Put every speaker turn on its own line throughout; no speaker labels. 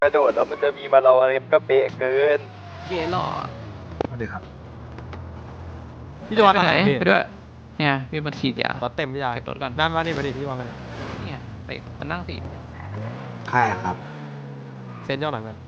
กระโดดแล้วมันจะมีมาเราอะไรก็เป๊ะเกิน
เกหล่อ
สวัสดีครับ
พี่จะวางไปไหนไปด้วยเนี่ยพี่มาฉีดยาร
ถเต็มพี่ชาย
เก็บรถก่อน
นั่นมานี่มาดิพี่วางไปเลย
เนี่ยไปมานั่งสิ
ใช่ครับ
เซ็นย่อหน่อยมัน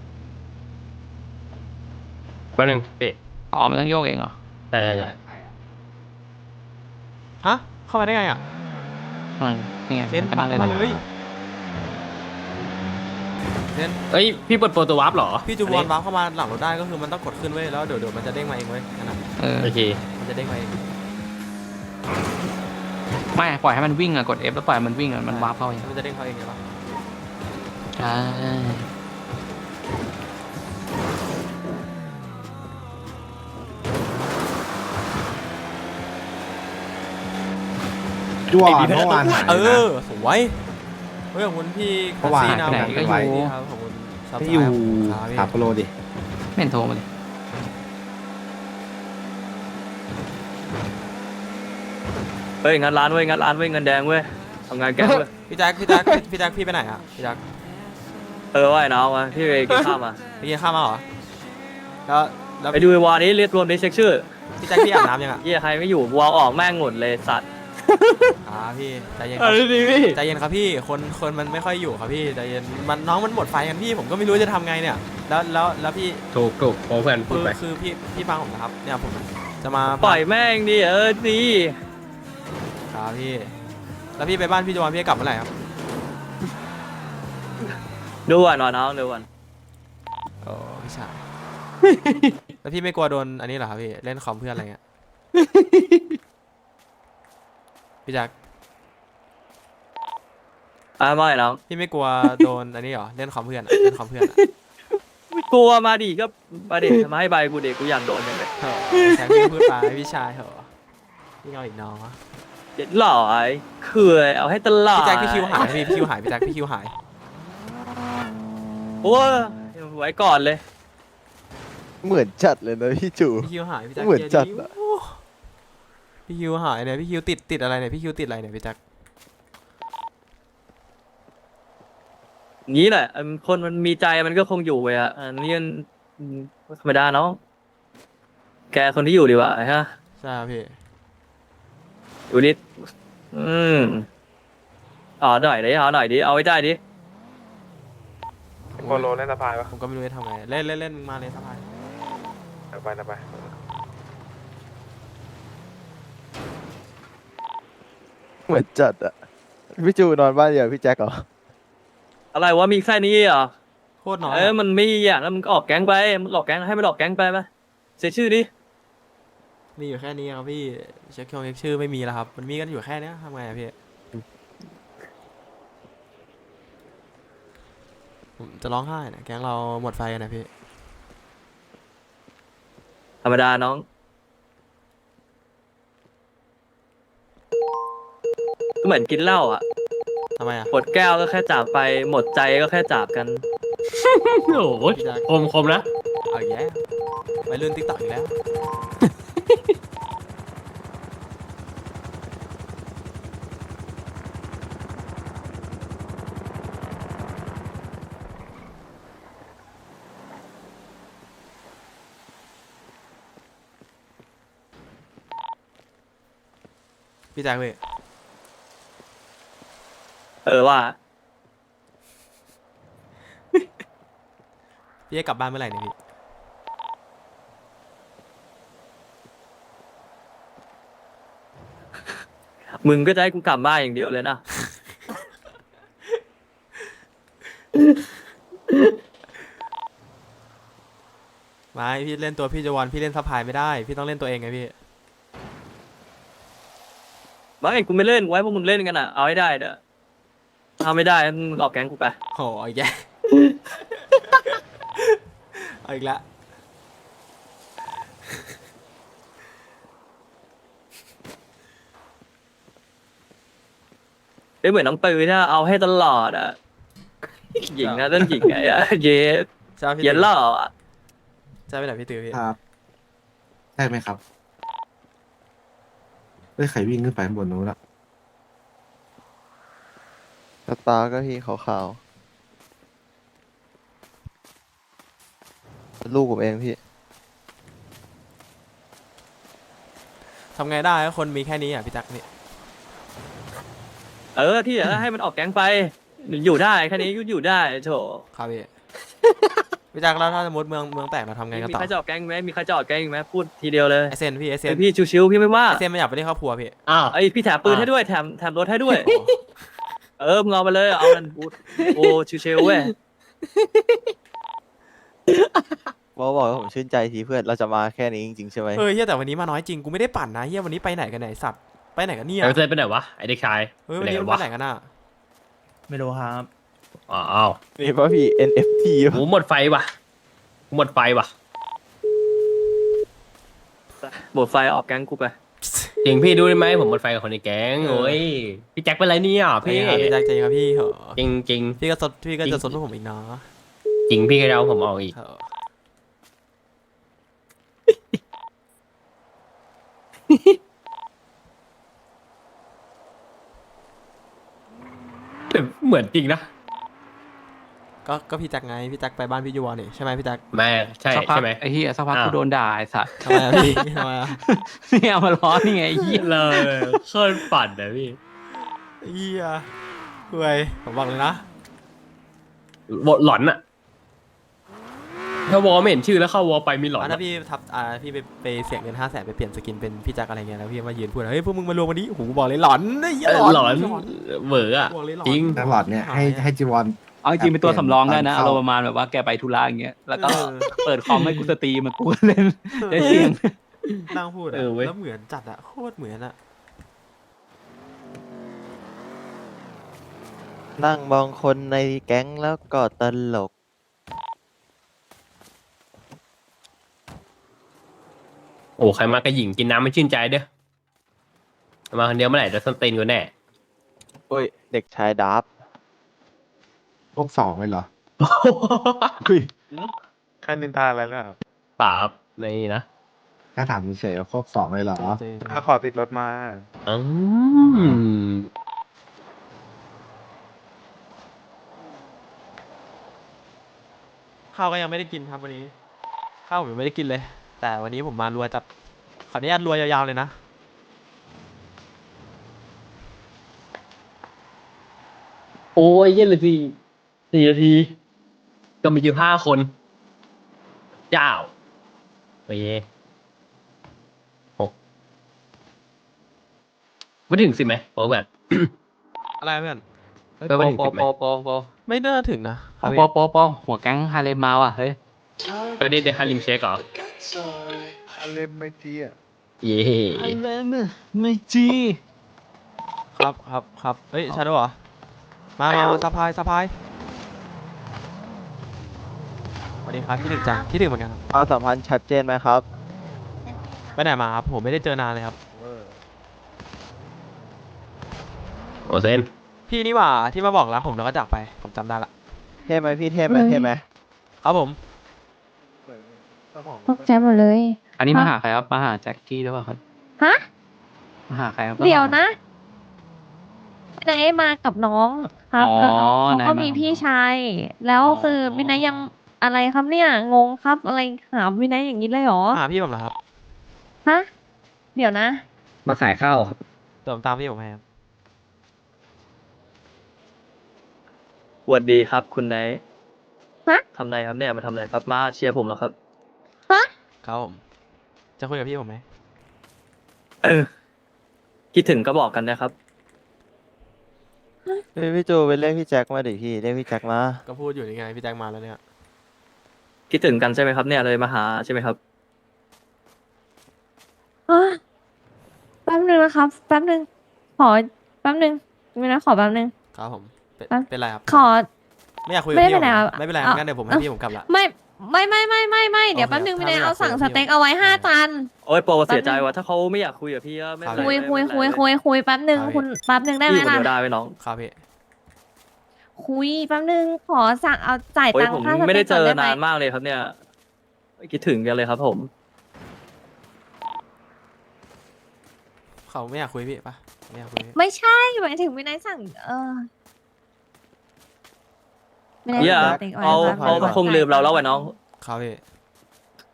แป๊บนึงเป๊ะ
อ๋อมันต้องโยกเองเหรอ
แต่
ฮะเข้ามาได้ไงอ่ะ
นี่ไง
เซ็น
ไปนั่งเลย
มา
นะ
เลยเซ็น
เอ้ยพี่เปิดโปรตัววาร์ปเหรอ
พี่จูบอลวาร์ปเข้ามาหลังรถได้ก็คือมันต้องกดขึ้นไว้ยแล้วเดี๋ยวมันจะเด้งมาเองเว้ยนั่นน่ะ
โอเค
มันจะเด้งมาเอง
ไม่ปล่อยให้มันวิ่งอะกด F แล้วปล่อยมันวิ่งอะมันวาร์ปเข้าเอง
มันจะเด้งเข้าเองใช่ปะ
ใช่
จ้วเมื่อวานหาย
เอ
นะ
อสวยเฮ้ยขอบคุณพี่
เมื่อวาน
ซีนะ
ไปไหน
ก็
ก็
อ
อยู่
ยู่ครับขอบคุณซับ
พี่อยู่
ครับพี่
ถามโปรโลดิ
ไม่เห็นโทรมาเลย
เฮ้ยงัดร้านเว้ยงัดร้านเว้ยเงินแดงเว้ยทำงานแก๊งเว้ย
พี่แจ็คพี่ไปไหนอ่ะพี่แจ็ค
ว่าไอ้น้องมาพี่ไปกินข้าวมา
ไปกินข้าวมาเหรอแล้วแล้ว
ไปดูไอ้วานี้เรียกรวมนี้เช็คชื่อ
พี่แจ็คพี่อาบน้ำยังอ่ะ
เยี่ยใครไม่อยู่วาออกแม่งหมดเลยสัตว์
พี่ใจเย็นครับ
ดีพี่
ใจเย็นครับพี่คนมันไม่ค่อยอยู่ครับพี่ใจเย็นมันน้องมันหมดไฟกันพี่ผมก็ไม่รู้จะทำไงเนี่ยแล้วพี่
ถูกโอ้เพื่อนพูดไป
คือพี่ฟังผมนะครับเนี่ยผมจะมา
ปล่อยแม่งดิดี
ครับพี่แล้วพี่ไปบ้านพี่จวนพี่จะกลับเมื่อไหร่ครับ
ดูอ่ะน้องดูอ่ะ
โอ้พี่ชาย แล้วพี่ไม่กลัวโดนอันนี้เหรอครับพี่เล่นคอมเพื่อนอะไรเงี้ยพี่แจ็ค
ไม่น้อง
พี่ไม่กลัวโดนอันนี้เหรอเล่นคอมเพื่อนอะเล่นคอมเพื่อนอะ
ไม่กลัวมาดิก็มาดิมาให้ใบกูเด็กกูอยากโดนกันเลย
เถอะแจ็คพี่พูดไปพี่ชายเถอะพี่เอาอีกน้องวะ
เด็ดหล่อยเขื่อยเอาให้ตลอด
พี่แจ็คพี่คิวหายพี่คิวหายพี่แจ็คพี่คิวหาย
โอ้ยไว้ก่อนเลย
เหมือนจัดเลยนะพี่จู
พี่คิวหายพี่แจ็ค
เหมือนจัดอะ
โอ้พี่คิวหายเนี่ยพี่คิวติดอะไรเนี่ยพี่คิวติดอะไรเนี่ยพี่แจ็ค
งี้แหละคนมันมีใจมันก็คงอยู่ไปอ่ะอันนี้มันธรรมดาเนาะแกคนที่อยู่ดีกว่าฮะ
ใช่ครับพี่
อยู่นิดเอาหน่อยดิเอาไว้ใจดิ
โปโลเล่นสะพายปะ
ผมก็ไม่รู้จะทำไงเล่นมึงมาเลยสบาย
ไปเหมือนจัดอะพี่จูนอนบ้านเดียวพี่แจ็คเหรอ
อะไรวะมีแค่นี้เหรอ
โคตรน้อยอะ
มันไม่อย่างแล้วมึงก็ออกแก๊งไปมึงออกแก๊งให้มันออกแก๊งไปไหมเสียชื่อดิ
มีอยู่แค่นี้ครับพี่เช็คชื่อไม่มีแล้วครับมันมีกันอยู่แค่เนี้ยทำไงอะพี่ผมจะร้องไห้นะแก๊งเราหมดไฟกันนะพี่
ธรรมดาน้องก็เหมือนกินเหล้าอ่ะ
ทำไมอะ
หมดแก้วก็แค่จากไปหมดใจก็แค่จากกัน โอ้โห
พี่แจ็ค
คมนะ
เอาอีกแล้วไปเลื่อนติ๊กต็อกอีกแล้ว พี่แจ็คพี่
ว่า
พี่จะกลับบ้านเมื่อไหร่เนี่ยพี่
มึงก็จะให้กูกลับบ้านอย่างเดียวเลยนะ
ไม่พี่เล่นตัวพี่จวันพี่เล่นซัพพลายไม่ได้พี่ต้องเล่นตัวเองไงพี่
ไม่กูไม่เล่นไว้พวกมึงเล่นกันอ่ะเอาให้ได้เด้อเอาไม่ได้มึงออกแก๊งกูไป
โหเอาอีกแล้ว เอาอีกแล้ว
เหมือนน้องปืนนะเอาให้ตลอดอ่ะหญิงนะเล่นหญิงไงอ่ะเย็ด
ใช่พี่
เย็นหล่ออ่ะ
ใช่ไปไหนพี่ตือพี่
ครับ ใช่ไหมครับเฮ้ยใครวิ่งขึ้นไปข้างบนนู้นละ
สตาร์ก็พี่ขาวลูกผมเองพี่
ทำไงได้คนมีแค่นี้อ่ะพี่แจ็คนี่
ที่เหลือให้มันออกแก๊งไปอยู่ได้แค่นี้อยู่ได้โถ
ครับพี่ พี่แจ็คแล้วถ้าสมมติเมืองแตกเราทำไงกัน
มี
ต่อ
ใครจะออกแก๊งไหมมีใครจะออกแก๊งอีกไหมพูดทีเดียวเลย
ไอเซนพี่ไอเซน
พี่ชิวๆพี่ไม่ว่า
ไอเซนไม่อยากไปเล่นครอบครัวพี่
อ้าว
พี่แถมปืนให้ด้วยแถมรถให้ด้วยมึงเอาไปเลยเอามันโอ้ชิวๆเว้ย
บอกว่าผมชื่นใจทีเพื่อนเราจะมาแค่นี้จริงๆใช่ไหม
เฮียแต่วันนี้มาน้อยจริงกูไม่ได้ปั่นนะเฮียวันนี้ไปไหนกันไหนสัตว์ไปไหนกันเนี่ย
ไอ้เซนไปไหนวะไอเด็กชาย
เฮ้ย
ไป
วัน
ไหน
นี้
กัน
มัน
วะ
ไปไหนกันอ่ะ
ไม่รู้ครับ
อ้าว
นี่ป่ะพี่ NFT
หมูหมดไฟว่ะหมดไฟว่ะ
หมดไฟออกแก๊งกูไป
จริงพี่ดูได้ไหมผมหมดไฟกับคนในแก๊งโอ้ยพี่แจ็คเป็นไรเนี่ย
พี่
พี่
พี่แจ็คใจครับพี่เหรอ
จริงจริง
พี่ก็จะสนพวกผมอีกเนาะ
จริงพี่ก็จะเอาผมออกอีก
เออ
แต่เหมือนจริงนะ
ก็พี่แจ็คไงพี่แจ็คไปบ้านพี่ยูวอนี่ใช่ไหมพี่แจ็ค
แม่ใช่
สักพัก
ใช่ไหม
ไอ้เหี้ยสักพัก
อ้าว
กูโดนด่าไอ้สัตว์
ทำไมอะพี่ทำไมอะ
เนี่ยมาล้อนี่ไงไอ้เหี้ย
เลยเคยปั่นนะพี่
เฮียห่วยผมบอกเลยนะ
บทหลอนอะถ้าวอลไม่เห็นชื่อแล้วเข้าวอลไปมีหลอน
ถ้าพี่พี่ไปเสียเงิน500,000ไปเปลี่ยนสกินเป็นพี่แจ็คอะไรเงี้ยแล้วพี่มายืนพูดเฮ้ยพวกมึงมารวมวันนี้โอ้โหบอกเลยหลอนเหี้ย
หลอนเหวออะ
บอกเลยหลอน
จริง
ตลอดเนี่ยให้จีวอน
เอาจริงๆเป็นตัวสำรองได้นะ
เข้า
อารมณ์ประมาณแบบว่าแกไปธุระอย่างเงี้ยแล้วก็
เออ
เปิดคอมให้กูสตรีมมากูเล่นได้เสียง
นั่งพูดอะ
เออเว้ย
แล้วเหมือนจัดอะโคตรเหมือนอะ
นั่งมองคนในแก๊งแล้วก็ตลก
โอ้ใครมากระหยิ่งกินน้ำไม่ชื่นใจเด้อมาคนเดียวเมื่อไหร่จะสนตีนกูแน่
โอ้ย เด็กชายดับ
พวกสองเลยเหรอ
ค่านินทาอะไรแล้ว
ป่าบในนี่นะ
ถ้าถามเฉยๆว่าพวกสองเลยเหรอ
ถ้าขอติดรถมา
อืม
ข้าวก็ยังไม่ได้กินครับวันนี้ข้าวผมยังไม่ได้กินเลย แต่วันนี้ผมมารัวจัดขออนุญาตรัวยาวๆเลยนะ
โอ้ยเย็นเลยสิ4 นาที ก็มี15 คน เจ้าโอ้ย6ไม่ถึง10ไหมโอ้แบบ
อะไรเพื่อน
เฮ้ย
ไป
โป
ไม่ถึง
โป
10ไหม
โป
ไม่น่าถึงนะ
โปหัวแก๊งฮาเลมมาว่ะเฮ้ย
ก็ได้เดฮาริมเช็คเหรอ
อะไรไม่จีอ่ะ
เย่
ไม่จี
ครับเฮ้ยชาโดเหรอมาสะพายสวัสดีครับคิดถึงจังคิดถึงเหมือนกันครับ
ความสัมพันธ์ชัดเจนไหมครับ
ไปไหนมาครับผมไม่ได้เจอนานเลยครับ
โอเซน
พี่นี่หว่าที่มาบอกรักผมแล้วก็จากไปผมจำได้ละ
เท่ไหมพี่เท่ไหมเท่ไหม
ครับผม
ตกใจหมดเลย
อันนี้มาหาใครครับมาหาแจ็คกี้หรือเปล่าครับ
ฮะ
มาหาใครครับ
เดี๋ยวนะนายมากับน้องครับ
อ๋อ
แล้วเขา
นาย
ก็
มา
มีพี่ชาย แล้วคือวินัยยังอะไรครับเนี่ย งงครับ อะไรหาวินัยอย่างนี้เลยเหรอ
หาพี่ผมเหรอครับ
ฮะ เดี๋ยวนะ
มาขายข้าวครับ
เดี๋ยวผมตามพี่ผมให้ครับ
สวัสดีครับคุณไนท์
ฮะ
ทำไรครับเนี่ยมาทำอะไรครับมาเชียร์ผมแล้วครับ
ฮะ
ครับผมจะคุยกับพี่ผมไหม
คิดถึงก็บอกกันนะครับ
เฮ้ยพี่จูไปเรียกพี่แจ็คมาดิพี่เรียกพี่แจ็คมา
ก็พูดอยู่นี่ไงพี่แจ็คมาแล้วเนี่ย
คิดถึงกันใช่ไหมครับเนี่ยเลยมาหาใช่ไหมครับ
แป๊บนึงนะครับ แป๊บนึง ขอแป๊บนึงวินัยขอแป๊บนึง
ครับผมเป็น
อ่ะ
เป็นไรครับ
ขอ
ไม่อยากคุยกับ
ไม่
พี่ผม
เป็นไรครับ
ไม่เป็นไร
เอา
งั้นเดี๋ยวผมให้พี่ผมกลับละ
ไม่เดี๋ยวแป๊บนึง
โอ
วิ
เค
นัย
ถ้าไม่
เอาสั่ง
อยาก
ส
คุยกับ
เต็กเอาไว้5 จาน
โอ้ยโปรเสียใจว่ะถ้าเขาไม่อยากคุยกับพี่ก็ไม่เป็นไร
คุย
ไม่เป็นไร
คุยแป๊บนึง
ครับ
คุณแป๊บนึงได้ไหม
พี่คน
ล่ะ
เดียวได้ไหมน้อง
ครับพี่
คุยแป๊บนึงขอสั่งเอาจ่าย
โอ้ย
ตัง
ผม
ค์ค่าส
ไม่
เต็
ได้
ก
เจ
ก่อน
อ
ได้ไหม
นานมากเลยครับเนี่ยคิดถึงกันเลยครับผม
เขาไม่อยากคุยพี่ปะไม่อยากคุยพี่
ไม่ใช่หมายถึงวินัยสั่งวินัย
เหี้ย
สั่งสเต็กไว้
เขา
ครับ
คงลืมเราแล้วว่ะน้อง
ครับพี่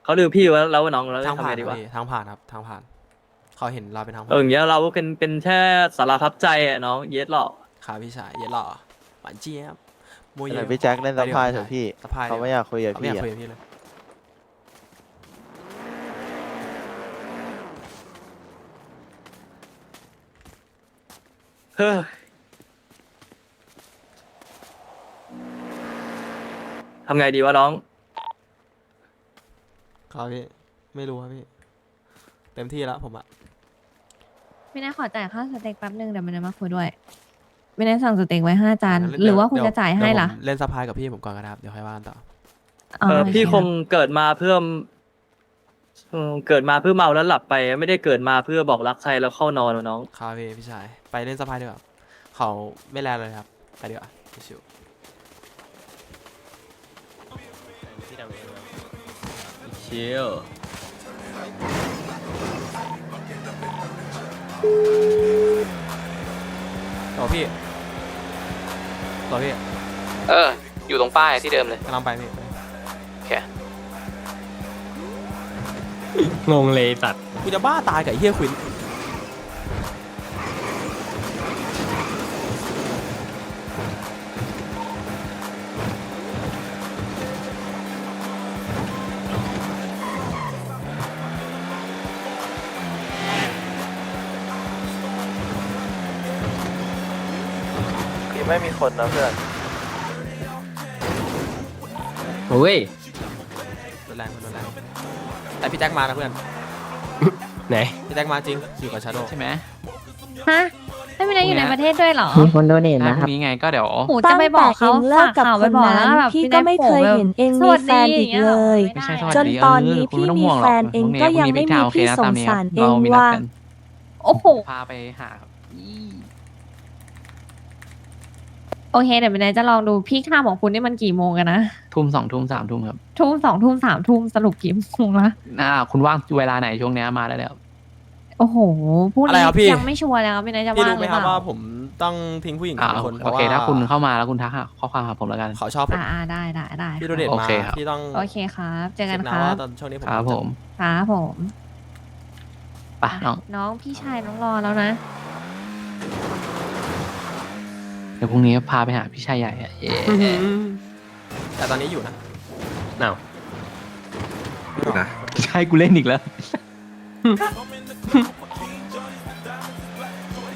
เขาลืมพี่แล้วว่าน้องแล้ว
ทาง
ทำ
ผ่า
ไง
น
ดีวะ
พี่ทางผ่านครับทางผ่านเขาเห็นเราเป็นทางผ่าน
อย่างเงี้ยเราก็เป็นแค่สารพัดใจอะน้องเยสหรอก
ครับพี่ชายเย็นหล่อหวานเจี๊ยบโมเย
เดี๋ยวพี่แจ็คเล่นสะพายเถอะพี่
สะพาย
เขาไม่อยากคุยกับ
ไม่อ
พี่
ยาก
อะ
คุยกับพี่เลย
เฮ้ยทำไงดีวะน้อง
ครับพี่ไม่รู้ครับพี่เต็มที่แล้วผมอะ
ไม่น่าขอจ่ายค่าสเต็กแป๊บนึงเดี๋ยวมันจะมาคุยด้วย ไม่ได้สั่งสเต็กไว้5 จาน
งั้น
หรือว่าคุณ
เดี๋
จะจ่ายให้ล่ะ
เดี๋วผมเล่นสะพายกับพี่ผมก่อนก็ได้ครับเดี๋ยวค่อยว่ากันต่อ
พี่คงเกิดมาเพื่อเกิดมาเพื่อเมาแล้วหลับไปไม่ได้เกิดมาเพื่อบอกรักใครแล้วเข้านอนวะน้อง
ครับพี่ชายไปเล่นสะพายดีกว่าเขาไม่แลเลยครับไปดีกว่าชิว
ชิล
ต่อพี่ต่อพี่
อยู่ตรงป้ายที่เดิมเลย
กำลังไปพี่
โอเค
งงเลยตัด
กูจะบ้าตายกับไอ้เฮียควิน
ไม่มีคนนะเพื่อน
โอ้ย
รถแรงแต่พี่แจ็คมานะเพื่อน
ไหน
พี่แจ็คมาจริงอยู่กับชาโด
ใช่ไหม
ฮะไม่มีนายอยู่ในประเทศด้วยเหรอ
มีคนโดเนท
ได้
นะ
พ
ครั
รุ่
บ
งนี้ไงก็เดี๋ยว
โอ้จะไปบอกเขา
ตั้งแต่เองเลิกกับ
ฝข่าว
ค
ไป
น
บอก
นั้
แล้ว
น
แบบ
พี่ก็ไม่เคยเห็นเอง
ส
มี
วัส
แฟ
ดี
นอีก
างงี้
เลย
ไม่
ไม่
ได้
ใช่สวัส
จน
ดี
ตอนนี้
คุณไม่ต้อง
พี่มี
ห่วงหร
แฟ
อก
นเอง
พรุ่
ก็ยัง
พรุ่
ไม่
พี่
มี
จะโอเค
พี่
นะ
ส
ตาง มนี้ค
สา
รับ
รเอง
เรามีนัด
ว่า
กัน
โอ้โห
พาไปหาครับอี
โอเคเดี๋ยวเป็นไงจะลองดูพี่ข้ามของคุณนี่มันกี่โมงกันนะ
ทุ่ม2 ทุ่ม3 ทุ่มครับ
ทุ่ม2 ทุ่ม3 ทุ่มสรุปกี่โมงละ
คุณว่างเวลาไหนช่วงเนี้ยมาได้แล้ว
โอ้โหพรุ่ง
อะไร
นี้
ครับพี่
ยังไม่ชัวร์เลยครับเป็นไงจะ
พี่
ว่าง
รู้
ห
ไหม
รือ
ค
เป
รับ
ล่า
ว่าผมต้องทิ้งผู้หญิงคน
โอเคถ้าคุณเข้ามาแล้วคุณทักข้อความหาผมแล้วกัน
เขาชอบผม
ได้ได้
พี่โดเดต
โอ
มา
เคครับ
พี่ต้อง
โอเคครับเจอกัน
เช็
ค
นะ
รั
ว่า
บ
ตอนช่วงนี้ผม
ครับผม
ครับผม
ไปน้อง
น้องพี่ชายน้องรอแล้วนะ
เดี๋ยวพรุ่งนี้พาไปหาพี่ชายใหญ่อะเย้
แต่ตอนนี้อยู่นะ
อ้าว
นะ
ใช่กูเล่นอีกแล้ว
โ